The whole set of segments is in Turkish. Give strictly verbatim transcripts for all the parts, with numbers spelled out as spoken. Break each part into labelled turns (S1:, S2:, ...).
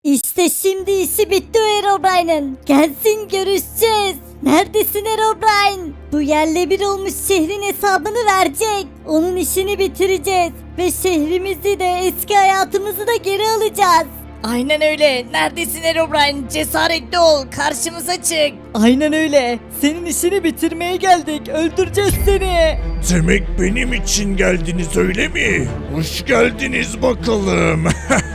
S1: İşte şimdi işi bitti o Herobrine'ın. Gelsin görüşeceğiz. Neredesin Herobrine? Bu yerle bir olmuş şehrin hesabını verecek. Onun işini bitireceğiz. Ve şehrimizi de eski hayatımızı da geri alacağız.
S2: Aynen öyle. Neredesin Herobrine? Cesaretli ol. Karşımıza çık.
S3: Aynen öyle. Senin işini bitirmeye geldik. Öldüreceğiz seni.
S4: Demek benim için geldiniz öyle mi? Hoş geldiniz bakalım.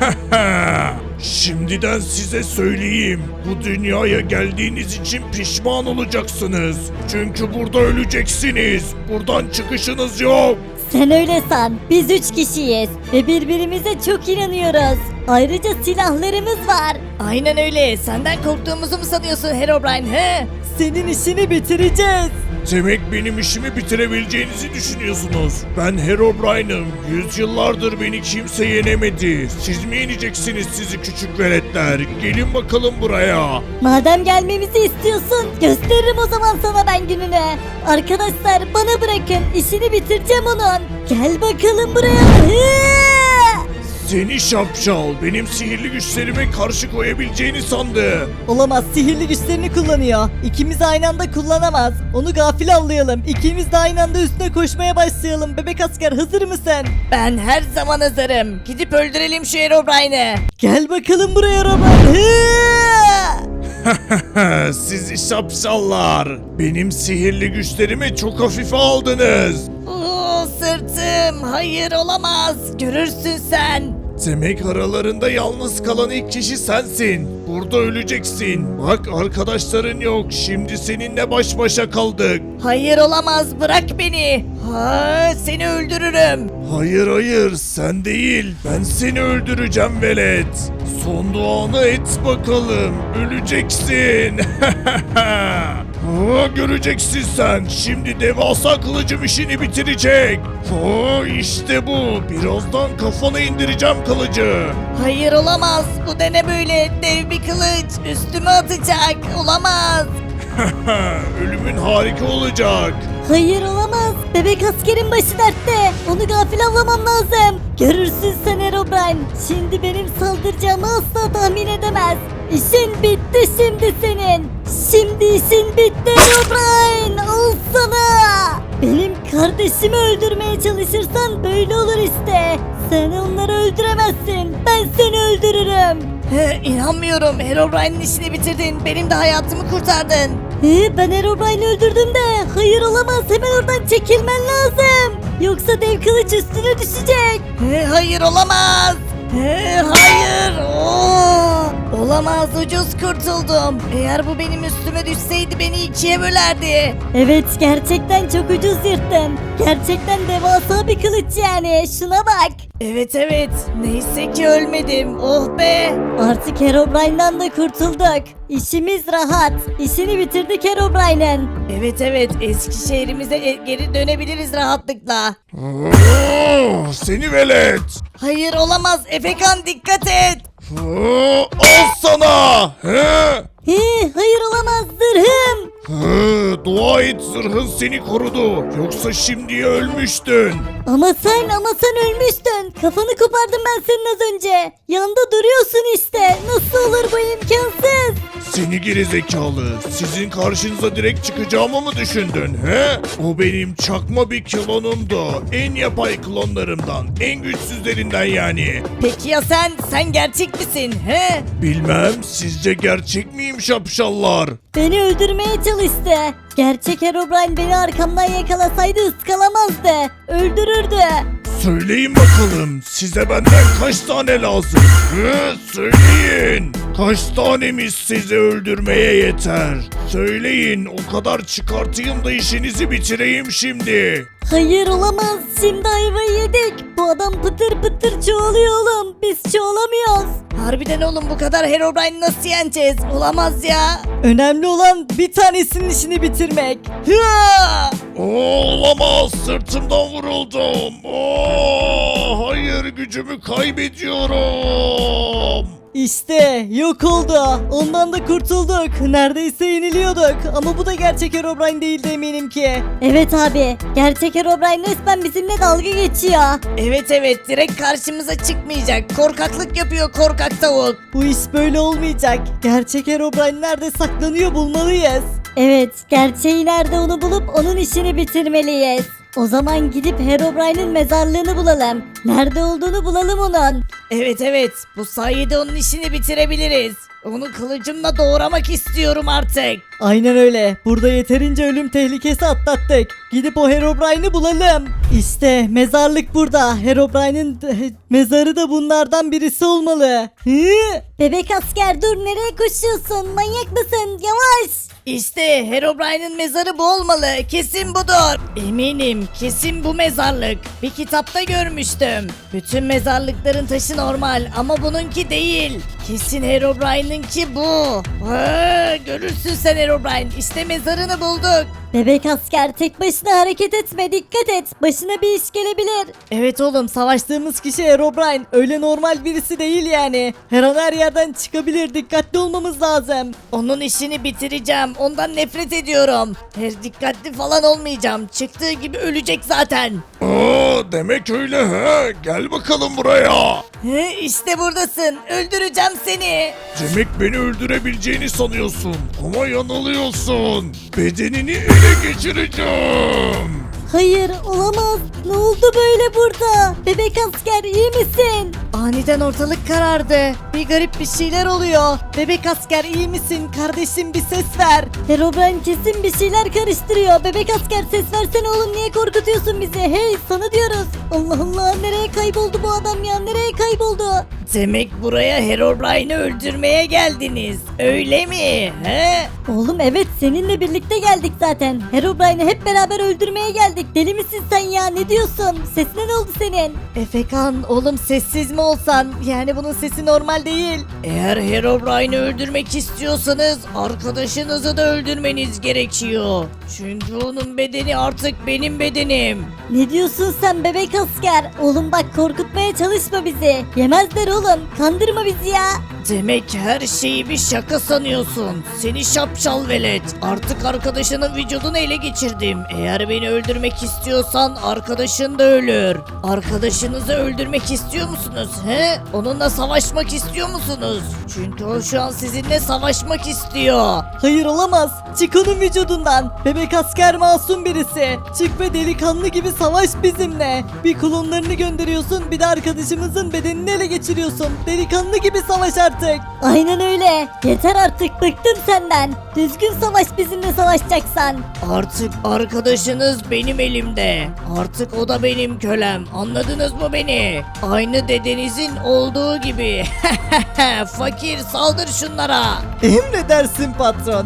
S4: Şimdiden size söyleyeyim. Bu dünyaya geldiğiniz için pişman olacaksınız. Çünkü burada öleceksiniz. Buradan çıkışınız yok.
S1: Sen öyle san. Biz üç kişiyiz. Ve birbirimize çok inanıyoruz. Ayrıca silahlarımız var.
S2: Aynen öyle. Senden korktuğumuzu mu sanıyorsun Herobrine he?
S3: Senin işini bitireceğiz.
S4: Demek benim işimi bitirebileceğinizi düşünüyorsunuz. Ben Herobrine'ım. Yüzyıllardır beni kimse yenemedi. Siz mi yeneceksiniz sizi küçük veletler? Gelin bakalım buraya.
S1: Madem gelmemizi istiyorsun, gösteririm o zaman sana ben gününü. Arkadaşlar bana bırakın. İşini bitireceğim onun. Gel bakalım buraya. Hı!
S4: Seni şapşal, benim sihirli güçlerime karşı koyabileceğini sandı.
S3: Olamaz, sihirli güçlerini kullanıyor. İkimiz aynı anda kullanamaz. Onu gafil avlayalım. İkimiz de aynı anda üstüne koşmaya başlayalım. Bebek asker hazır mısın?
S2: Ben her zaman hazırım. Gidip öldürelim şu Herobrine'ı.
S3: Gel bakalım buraya Robert.
S4: Sizi şapşallar, benim sihirli güçlerimi çok hafife aldınız.
S2: Oo, sırtım. Hayır olamaz. Görürsün sen.
S4: Demek aralarında yalnız kalan ilk kişi sensin. Burada öleceksin. Bak arkadaşların yok. Şimdi seninle baş başa kaldık.
S2: Hayır olamaz. Bırak beni. Ha, seni öldürürüm.
S4: Hayır hayır sen değil. Ben seni öldüreceğim velet. Son duanı et bakalım. Öleceksin. Ha, göreceksin sen. Şimdi devasa kılıcım işini bitirecek. Ha, işte bu. Birazdan kafana indireceğim kılıcı.
S2: Hayır olamaz. Bu da ne böyle? Dev bir kılıç. Üstüme atacak. Olamaz.
S4: Ölümün harika olacak.
S1: Hayır olamaz. Bebek askerin başı dertte. Onu gafil avlamam lazım. Görürsün sen Herobrine. Şimdi benim saldıracağımı asla tahmin edemez. İşin bitti şimdi senin. Şimdi işin bitti Herobrine. Al sana. Benim kardeşimi öldürmeye çalışırsan böyle olur işte. Sen onları öldüremezsin. Ben seni öldürürüm.
S2: He, inanmıyorum. Herobrine'in işini bitirdin. Benim de hayatımı kurtardın.
S1: He, ben Herobrine'i öldürdüm de. Hayır olamaz. Hemen oradan çekilmen lazım. Yoksa dev kılıç üstüne düşecek.
S2: He, hayır olamaz. He, hayır. Oo, olamaz, ucuz kurtuldum. Eğer bu benim üstüme düşseydi beni ikiye bölerdi.
S1: Evet gerçekten çok ucuz yırttın. Gerçekten devasa bir kılıç yani. Şuna bak.
S2: Evet evet. Neyse ki ölmedim. Oh be.
S1: Artık Herobrine'den de kurtulduk. İşimiz rahat. İşini bitirdik Herobrine'in.
S2: Evet evet. Eski şehrimize e- geri dönebiliriz rahatlıkla.
S4: Oo, seni velet.
S2: Hayır olamaz. Efekan dikkat et.
S4: Oo, al sana. He?
S1: He, hayır olamaz zırhım.
S4: He, dua et zırhın seni korudu. Yoksa şimdiye ölmüştün.
S1: Ama sen ama sen ölmüştün. Kafanı kopardım ben senin az önce. Yanında duruyorsun işte. Nasıl olur bu imkansız?
S4: Seni geri zekalı. Sizin karşınıza direkt çıkacağımı mı düşündün he? O benim çakma bir klonumdu. En yapay klonlarımdan. En güçsüzlerinden yani.
S2: Peki ya sen? Sen gerçek misin? He?
S4: Bilmem sizce gerçek miyim şapşallar?
S1: Beni öldürmeye çalıştı. Gerçek Herobrine beni arkamdan yakalasaydı ıskalamazdı. Öldürürdü.
S4: Söyleyin bakalım size benden kaç tane lazım? He, söyleyin. Kaç tanemiz sizi öldürmeye yeter? Söyleyin o kadar çıkartayım da işinizi bitireyim şimdi.
S1: Hayır olamaz. Şimdi ayvayı yedik. Bu adam pıtır pıtır çoğalıyor oğlum. Biz çoğalamıyoruz.
S2: Harbiden oğlum bu kadar Herobrine nasıl yeneceğiz? Olamaz ya.
S3: Önemli olan bir tanesinin işini bitirmek.
S2: Hıa!
S4: Oo, olamaz sırtımdan vuruldum. Oo, hayır gücümü kaybediyorum.
S3: İşte yok oldu. Ondan da kurtulduk. Neredeyse yeniliyorduk. Ama bu da gerçek Herobrine değildi eminim ki.
S1: Evet abi. Gerçek Herobrine resmen bizimle dalga geçiyor.
S2: Evet evet direkt karşımıza çıkmayacak. Korkaklık yapıyor korkak tavuk.
S3: Bu iş böyle olmayacak. Gerçek Herobrine nerede saklanıyor bulmalıyız.
S1: Evet, gerçeği nerede onu bulup onun işini bitirmeliyiz. O zaman gidip Herobrine'in mezarlığını bulalım. Nerede olduğunu bulalım onun.
S2: Evet evet bu sayede onun işini bitirebiliriz. Onu kılıcımla doğramak istiyorum artık.
S3: Aynen öyle. Burada yeterince ölüm tehlikesi atlattık. Gidip o Herobrine'i bulalım. İşte mezarlık burada. Herobrine'in eh, mezarı da bunlardan birisi olmalı. Hı?
S1: Bebek asker dur nereye koşuyorsun? Manyak mısın? Yavaş.
S2: İşte Herobrine'in mezarı bu olmalı. Kesin budur. Eminim kesin bu mezarlık. Bir kitapta görmüştüm. Bütün mezarlıkların taşı normal ama bununki değil. Kesin Herobrine'inki bu. Ha, görürsün sen Herobrine. İşte mezarını bulduk.
S1: Bebek asker tek başına hareket etme dikkat et. Başına bir iş gelebilir.
S3: Evet oğlum savaştığımız kişi Herobrine. Öyle normal birisi değil yani. Her an her yerden çıkabilir. Dikkatli olmamız lazım.
S2: Onun işini bitireceğim. Ondan nefret ediyorum. Her dikkatli falan olmayacağım. Çıktığı gibi ölecek zaten.
S4: Aa, demek öyle he. Gel bakalım buraya.
S2: He, işte buradasın. Öldüreceğim seni.
S4: Demek beni öldürebileceğini sanıyorsun. Ama yanılıyorsun. Bedenini ele geçireceğim.
S1: Hayır olamaz. Ne oldu böyle burada? Bebek asker iyi misin?
S3: Aniden ortalık karardı. Bir garip bir şeyler oluyor. Bebek asker iyi misin? Kardeşim bir ses ver.
S1: Herobrine kesin bir şeyler karıştırıyor. Bebek asker ses versene oğlum niye korkutuyorsun bizi? Hey sana diyoruz. Allah Allah nereye kayboldu bu adam ya? Nereye kayboldu?
S2: Demek buraya Herobrine'i öldürmeye geldiniz. Öyle mi? He?
S1: Oğlum evet seninle birlikte geldik zaten. Herobrine'i hep beraber öldürmeye geldik. Deli misin sen ya ne diyorsun? Sesine ne oldu senin?
S3: Efekan oğlum sessiz mi olsan? Yani bunun sesi normal değil.
S2: Eğer Herobrine'i öldürmek istiyorsanız arkadaşınızı da öldürmeniz gerekiyor. Çünkü onun bedeni artık benim bedenim.
S1: Ne diyorsun sen bebek asker? Oğlum bak korkutmaya çalışma bizi. Yemezler oğlum. Kandırma bizi ya.
S2: Demek her şeyi bir şaka sanıyorsun. Seni şapşal velet. Artık arkadaşının vücudunu ele geçirdim. Eğer beni öldürmek istiyorsan arkadaşın da ölür. Arkadaşınızı öldürmek istiyor musunuz? He? Onunla savaşmak istiyor musunuz? Çünkü o şu an sizinle savaşmak istiyor.
S3: Hayır olamaz. Çık onun vücudundan. Bebek asker masum birisi. Çık ve delikanlı gibi savaş bizimle. Bir klonlarını gönderiyorsun bir de arkadaşımızın bedenini ele geçiriyorsun. Delikanlı gibi savaş artık.
S1: Aynen öyle. Yeter artık bıktım senden. Düzgün savaş bizimle savaşacaksan.
S2: Artık arkadaşınız benim elimde. Artık o da benim kölem. Anladınız mı beni? Aynı dedenizin olduğu gibi. Fakir saldır şunlara.
S3: Emredersin patron.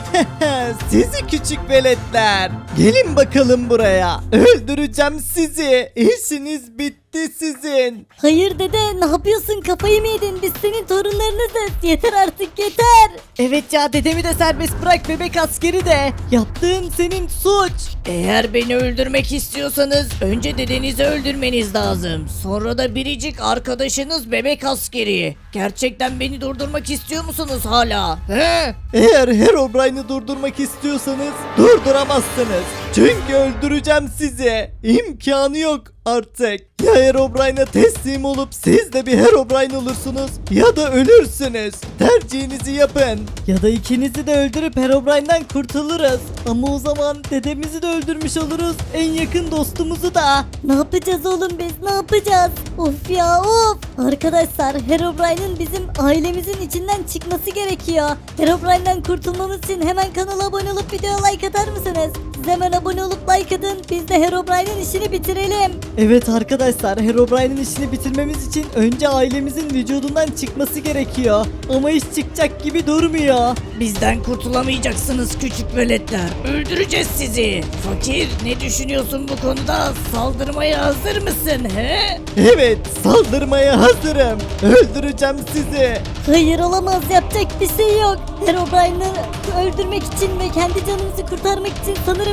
S3: Sizi küçük veletler. Gelin bakalım buraya. Öldüreceğim sizi. İşiniz bitti sizin.
S1: Hayır dede ne yapıyorsun kafayı mı yedin? Biz senin torunlarınızız. Yeter artık yeter.
S3: Evet ya dedemi de serbest bırak bebek askeri de. Yaptığın senin suç.
S2: Eğer beni öldürmek istiyorsanız önce dedenizi öldürmeniz lazım. Sonra da biricik arkadaşınız bebek askeri. Gerçekten beni durdurmak istiyor musunuz hala? He?
S3: Eğer Herobrine'i durdurmak istiyorsanız durduramazsınız. Çünkü öldüreceğim sizi. İmkanı yok artık. Ya Herobrine'a teslim olup siz de bir Herobrine olursunuz ya da ölürsünüz. Tercihinizi yapın. Ya da ikinizi de öldürüp Herobrine'den kurtuluruz. Ama o zaman dedemizi de öldürmüş oluruz. En yakın dostumuzu da.
S1: Ne yapacağız oğlum biz ne yapacağız? Of ya of. Arkadaşlar Herobrine'in bizim ailemizin içinden çıkması gerekiyor. Herobrine'den kurtulmamız için hemen kanala abone olup videoya like atar mısınız? Siz hemen abone olup like atın. Biz de Herobrine'in işini bitirelim.
S3: Evet arkadaşlar Herobrine'in işini bitirmemiz için önce ailemizin vücudundan çıkması gerekiyor. Ama iş çıkacak gibi durmuyor.
S2: Bizden kurtulamayacaksınız küçük veletler. Öldüreceğiz sizi. Fakir ne düşünüyorsun bu konuda? Saldırmaya hazır mısın he?
S3: Evet saldırmaya hazırım. Öldüreceğim sizi.
S1: Hayır olamaz yapacak bir şey yok. Herobrine'ı öldürmek için ve kendi canımızı kurtarmak için sanırım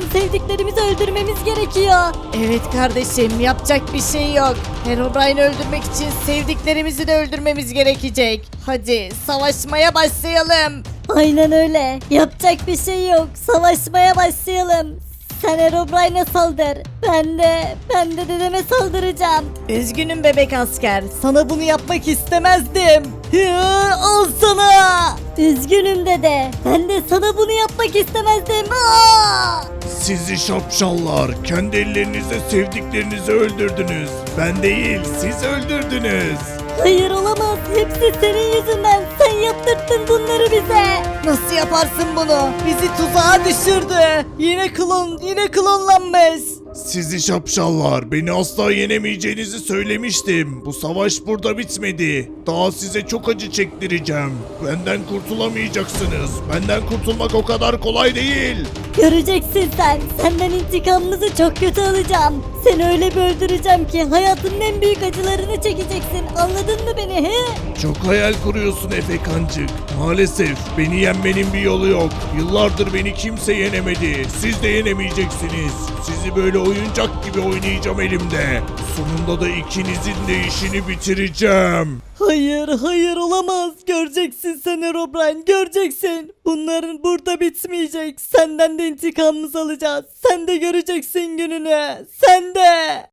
S1: sanırım sevdiklerimizi öldürmemiz gerekiyor.
S2: Evet kardeşim, yapacak bir şey yok. Herobrine'i öldürmek için sevdiklerimizi de öldürmemiz gerekecek. Hadi savaşmaya başlayalım.
S1: Aynen öyle. Yapacak bir şey yok. Savaşmaya başlayalım. Sen Herobrine'e saldır. Ben de, ben de dedeme saldıracağım.
S2: Üzgünüm bebek asker. Sana bunu yapmak istemezdim.
S1: Hı, al sana. Üzgünüm dede. Ben de sana bunu yapmak istemezdim. Aa!
S4: Sizi şapşallar, kendi ellerinizle sevdiklerinizi öldürdünüz. Ben değil, siz öldürdünüz.
S1: Hayır olamaz. Hepsi senin yüzünden. Sen yaptırttın bunları bize.
S2: Nasıl yaparsın bunu? Bizi tuzağa düşürdü. Yine klon, yine klonlanmış.
S4: Sizi şapşallar, beni asla yenemeyeceğinizi söylemiştim. Bu savaş burada bitmedi. Daha size çok acı çektireceğim. Benden kurtulamayacaksınız. Benden kurtulmak o kadar kolay değil.
S1: Göreceksin sen. Senden intikamımızı çok kötü alacağım. Seni öyle bir öldüreceğim ki hayatının en büyük acılarını çekeceksin. Anladın mı beni he?
S4: Çok hayal kuruyorsun Efekancık. Maalesef beni yenmenin bir yolu yok. Yıllardır beni kimse yenemedi. Siz de yenemeyeceksiniz. Sizi böyle oyuncak gibi oynayacağım elimde. Sonunda da ikinizin de işini bitireceğim.
S2: Hayır, hayır olamaz. Göreceksin sen Herobrine, göreceksin. Bunların burada bitmeyecek. Senden de intikamımızı alacağız. Sen de göreceksin gününü. Sen de.